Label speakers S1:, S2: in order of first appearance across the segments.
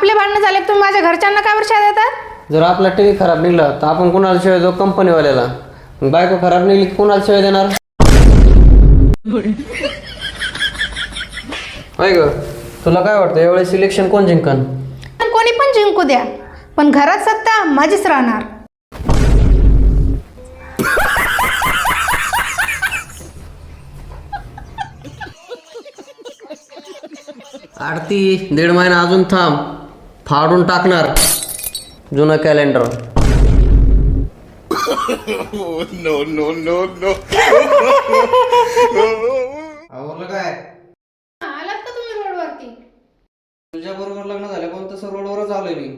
S1: आपले भांडणं झाले तुम्ही माझ्या घरच्यांना काय वर्षा देतात?
S2: जर आपला टीव्ही खराब निघला तर आपण कोणाला शिवाय देऊ? कंपनीवाल्याला. बायको खराब निघली की कोणाला शिवाय देणार? होय ग, तुला काय वाटतं यावेळेस सिलेक्शन कोण जिंकन?
S1: कोणी पण जिंकू द्या, पण घरात सत्ता माझीच राहणार.
S2: आरती 1.5 महिना अजून थांब, फाडून टाकणार जुनं calendar.
S3: No, no, no, no.
S2: आवरलं काय?
S1: आलात का तुम्ही रोडवरती?
S2: तुझ्या बरोबर लग्न झालं पण तसं रोडवरच आलोय मी.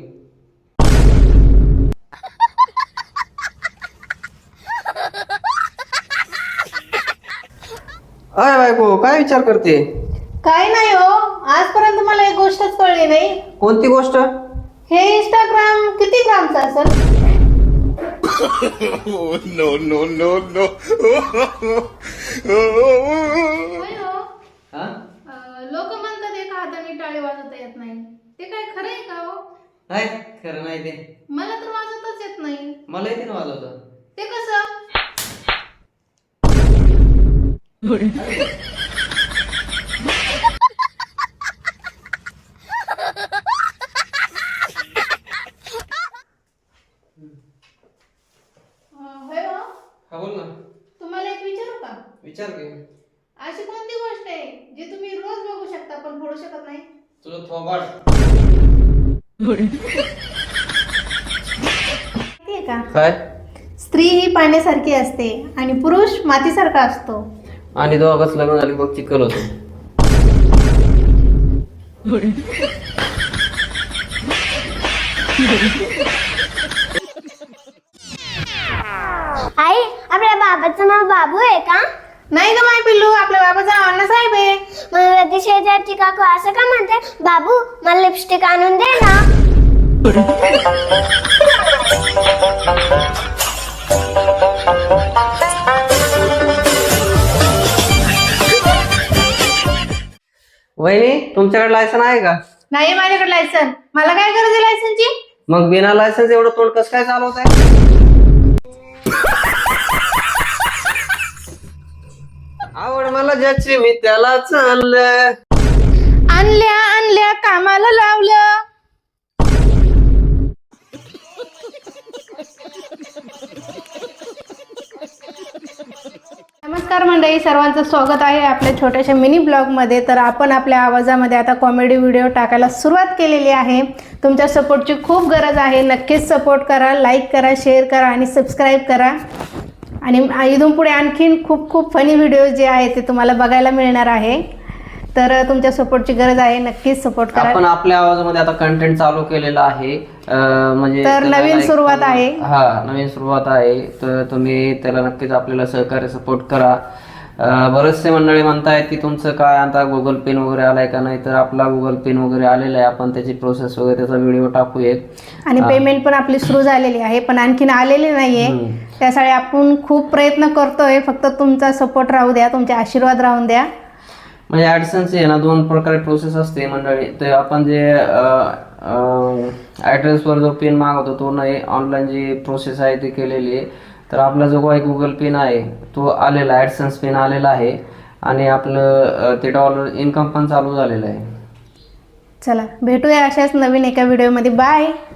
S2: अय बायको, काय विचार करते?
S1: काय नाही हो, आजपर्यंत मला एक गोष्टच कळली नाही.
S2: कोणती गोष्ट?
S1: हे इंस्टाग्राम किती ग्रामचं असेल?
S3: No, no, no, no.
S1: लोक म्हणतात एका हाताने टाळी वाजवता येत नाही, ते काय खरं आहे का हो?
S2: नाही, खरं नाही ते.
S1: मला तर वाजवताच येत नाही.
S2: मला येते ना वाजवतं.
S1: ते कसं? होय हो?
S2: हा बोल ना.
S1: तुम्हाला एक विचारू का?
S2: विचार घे.
S1: अशी कोणती गोष्ट आहे जी तुम्ही रोज बघू शकता पण फोडू शकत नाही?
S2: तुझं थोबाड.
S1: माहितीये का,
S2: काय?
S1: स्त्री ही पाण्यासारखी असते आणि पुरुष मातीसारखा असतो.
S2: आणि दोघांच लग्न झाली बघ चिकल होतो.
S4: आई, आपल्या बाबाचं नाव बाबू आहे का?
S1: नाही ग माय पिल्लू, आपल्या बाबाचं नाव अण्णासाहेब आहे.
S4: मला ती शेजारची काकू असं का म्हणते? बाबू, मला लिपस्टिक आणून दे ना.
S2: वहिनी, तुमच्याकडे लायसन आहे का?
S1: नाही माझ्याकडे लायसन. मला काय गरज आहे लायसनची?
S2: मग बिना लायसन्स एवढं तोंड कसं काय चालवत आहे? आवड मला ज्याची मी त्याला चाललं.
S1: आणल्या आणल्या कामाला लावलं. नमस्कार मंडळी, सर्वांचं स्वागत आहे आपल्या छोट्याशा मिनी ब्लॉगमध्ये. तर आपण आपल्या आवाजामध्ये आता कॉमेडी व्हिडिओ टाकायला सुरुवात केलेली आहे. तुमच्या सपोर्टची खूप गरज आहे. नक्कीच सपोर्ट करा, लाईक करा, शेअर करा आणि सबस्क्राईब करा. आणि इथून पुढे आणखीन खूप खूप फनी व्हिडिओ जे आहे ते तुम्हाला बघायला मिळणार आहे. तर तुमच्या सपोर्टची गरज आहे, नक्कीच सपोर्ट करा.
S2: आपण आपल्या आवाजामध्ये आता कंटेंट चालू केलेला आहे. म्हणजे
S1: तर नवीन सुरुवात आहे.
S2: हा, नवीन सुरुवात आहे. तर तुम्ही त्याला नक्कीच आपल्याला सहकार्य सपोर्ट करा. बरेचसे मंडळी म्हणतायत की तुमचं काय आता गुगल पेन वगैरे आलाय का? नाही तर आपला गुगल पेन वगैरे आलेला आहे. आपण त्याची प्रोसेस वगैरे त्याचा व्हिडिओ टाकूयात.
S1: आणि पेमेंट पण आपली सुरू झालेली आहे, पण आणखीन आलेली नाहीये. त्यासाठी आपण खूप प्रयत्न करतोय. फक्त तुमचा सपोर्ट राहू द्या, तुमचे आशीर्वाद राहून द्या.
S2: म्हणजे ॲडसन्स आहे ना, 2 प्रकारे प्रोसेस असते मंडळी. तर आपण जे ॲड्रेसवर जो पेन मागवतो तो नाही, ऑनलाईन जी प्रोसेस आहे ती केलेली आहे. तर आपला जो काही गुगल पेन आहे तो आलेला, ॲडसन्स पेन आलेला आहे. आणि आपलं ते डॉलर इन्कम पण चालू झालेलं आहे.
S1: चला भेटूया अशाच नवीन एका व्हिडिओमध्ये. बाय.